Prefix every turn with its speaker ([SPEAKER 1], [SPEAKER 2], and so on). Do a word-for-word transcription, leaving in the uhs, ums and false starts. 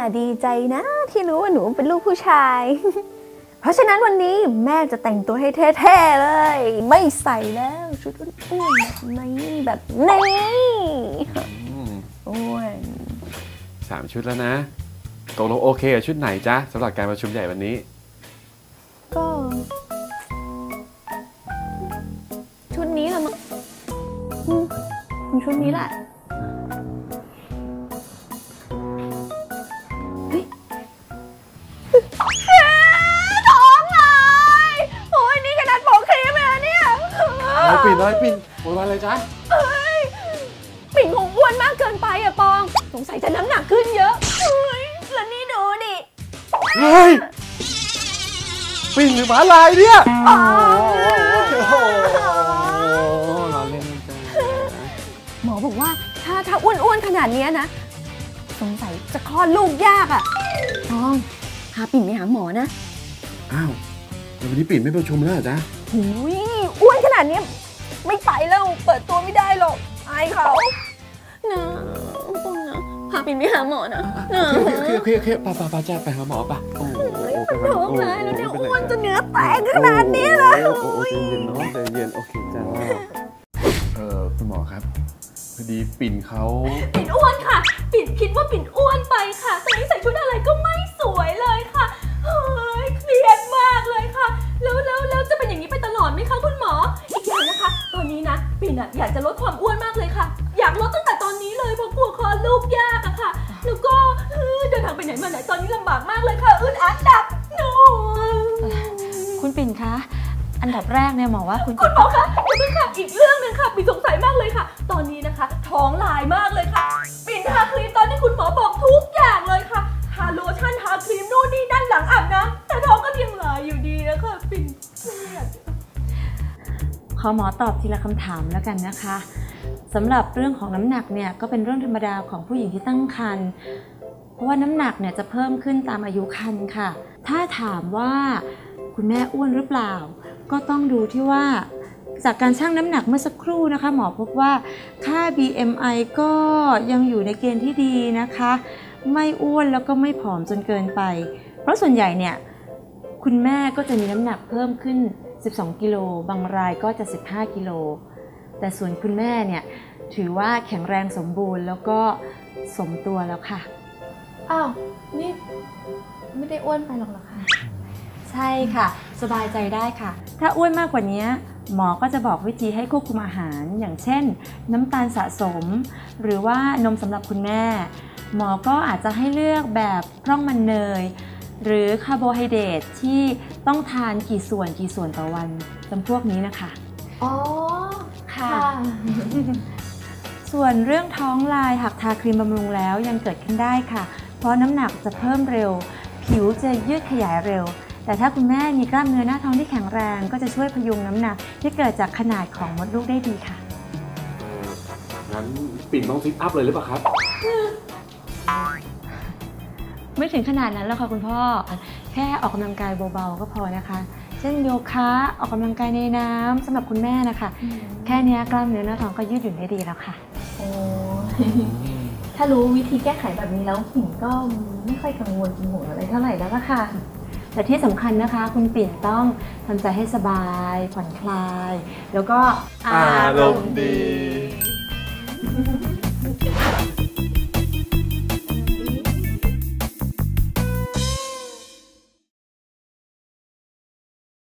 [SPEAKER 1] ดีใจนะที่รู้ว่าหนูเป็นลูกผู้ชายเพราะฉะนั้นวันนี้แม่จะแต่งตัวให้เท่ๆเลยไม่ใส่แล้วชุดอ้วนๆนี้แบบนี้อ้วน
[SPEAKER 2] สามชุดแล้วนะตกลงโอเคกับชุดไหนจ๊ะสำหรับการประชุมใหญ่วันนี้
[SPEAKER 1] ก็ชุดนี้แหละมั้งชุดนี้แหละท้องเลยโอ้ยนี่ขนาดโปะครีมเลยเนี่ย
[SPEAKER 2] น้อยปิ่นน้อยปิ่นโวยวายเลยจ๊ะ
[SPEAKER 1] ปิ่นคงอ้วนมากเกินไปอะปองสงสัยจะน้ำหนักขึ้นเยอะเฮ้ยแล้วนี่ดูดิ
[SPEAKER 2] เฮ้ยปิ่นหรือหมาลายเนี่ยโอ้โหเราเล่นจ้ะ
[SPEAKER 1] หมอบอกว่าถ้าถ้าอ้วนๆขนาดนี้นะสงสัยจะคลอดลูกยากอะปองพาปิ่นไปหาหมอนะ
[SPEAKER 2] อ้าววันนี้ปิ่นไม่ประชุมแล้วจ๊ะ
[SPEAKER 1] หูยอ้วนขนาดนี้ไม่ไปแล้วเปิดตัวไม่ได้หรอกอายเขานะปองนะพาปิ่นไปหาหมอนะ
[SPEAKER 2] โอเคโอเคโอเคโอเคป่ะป่ะป่ะจ้าไปหาหมอป่ะโอ้โห
[SPEAKER 1] ไปหาหมอเลยแล้วเนี่ยอ้วนจนเนื้อแตกขนาดนี้เลย
[SPEAKER 2] โอ้โหใจเย็นเนาะใจเย็นโอเคจ้าเออคุณหมอครับพอดีปิ่นเขา
[SPEAKER 1] ปิ่นอ้วนค่ะปิ่นคิดว่าปิ่นอ้วนไปค่ะตอนนี้ใส่ชุดอะไรก็ไม่สวยเลยค่ะเฮ้ยเครียดมากเลยค่ะแล้วแล้วแล้วจะเป็นอย่างนี้ไปตลอดไหมคะคุณหมออีกอย่างนะคะตอนนี้นะปิ่นอะอยากจะลดความอ้วนมากเลยค่ะอยากลดตั้งแต่ตอนนี้เลยเพราะกลัวคลอดลูกยากอะค่ะแล้วก็เดินทางไปไหนมาไหนตอนนี้ลำบากมากเลยค่ะอึดอัดดับหนู
[SPEAKER 3] คุณปิ่นคะอันดับแรกเนี่ยหมอว่าคุณ
[SPEAKER 1] คุณหมอคะอย่าเพิ่งค่ะอีกเรื่องนึงค่ะปิ่นสงสัยมากเลยค่ะตอนนี้นะคะท้องลายมากเลยค่ะปิ่นทาครีมตอนที่คุณหมอบอกทุกอย่างเลยค่ะทาโลชั่นทาครีมนู่นนี่ด้านหลังอาบน้ำแต่ท้องก็ยังลายอยู่ดีนะคะปิ่นเครียด
[SPEAKER 3] ขอหมอตอบทีละคำถามแล้วกันนะคะสำหรับเรื่องของน้ำหนักเนี่ยก็เป็นเรื่องธรรมดาของผู้หญิงที่ตั้งครรภ์เพราะว่าน้ำหนักเนี่ยจะเพิ่มขึ้นตามอายุครรภ์ค่ะถ้าถามว่าคุณแม่อ้วนหรือเปล่าก็ต้องดูที่ว่าจากการชั่งน้ำหนักเมื่อสักครู่นะคะหมอพบว่าค่า บี เอ็ม ไอ ก็ยังอยู่ในเกณฑ์ที่ดีนะคะไม่อ้วนแล้วก็ไม่ผอมจนเกินไปเพราะส่วนใหญ่เนี่ยคุณแม่ก็จะมีน้ำหนักเพิ่มขึ้นสิบสองกิโลบางรายก็จะสิบห้ากิโลแต่ส่วนคุณแม่เนี่ยถือว่าแข็งแรงสมบูรณ์แล้วก็สมตัวแล้วค่ะ
[SPEAKER 1] อ้าวนี่ไม่ได้อ้วนไปหรอกเหรอคะ
[SPEAKER 3] ใช่ค่ะสบายใจได้ค่ะถ้าอ้วนมากกว่านี้หมอก็จะบอกวิธีให้ควบคุมอาหารอย่างเช่นน้ำตาลสะสมหรือว่านมสำหรับคุณแม่หมอก็อาจจะให้เลือกแบบพร่องมันเนยหรือคาร์โบไฮเดรตที่ต้องทานกี่ส่วนกี่ส่วนต่อวันจำพวกนี้นะคะ
[SPEAKER 1] อ๋อค่ะ
[SPEAKER 3] ส่วนเรื่องท้องลายหากทาครีมบำรุงแล้วยังเกิดขึ้นได้ค่ะเพราะน้ำหนักจะเพิ่มเร็วผิวจะยืดขยายเร็วแต่ถ้าคุณแม่มีกล้ามเนื้อหน้าท้องที่แข็งแรงก็จะช่วยพยุงน้ำหนักที่เกิดจากขนาดของมดลูกได้ดีค่ะ
[SPEAKER 2] งั้นปิ่นต้องซิทอัพเลยหรือเปล่าครับ
[SPEAKER 3] ไม่ถึงขนาดนั้นแล้วค่ะคุณพ่อแค่ออกกำลังกายเบาๆก็พอนะคะเช่นโยคะออกกำลังกายในน้ำสำหรับคุณแม่นะคะแค่นี้กล้ามเนื้อหน้าท้องก็ยืดหยุ่นได้ดีแล้วค่ะ
[SPEAKER 1] โอ้ถ้ารู้วิธีแก้ไขแบบนี้แล้วปิ่นก็ไม่ค่อยกังวลกังวลอะไรเท่าไหร่แล้วล่ะค่ะ
[SPEAKER 3] แต่ที่สำคัญนะคะคุณปิ่นต้องทำใจให้สบายผ่อนคลายแล้วก็
[SPEAKER 2] อารมณ์ดี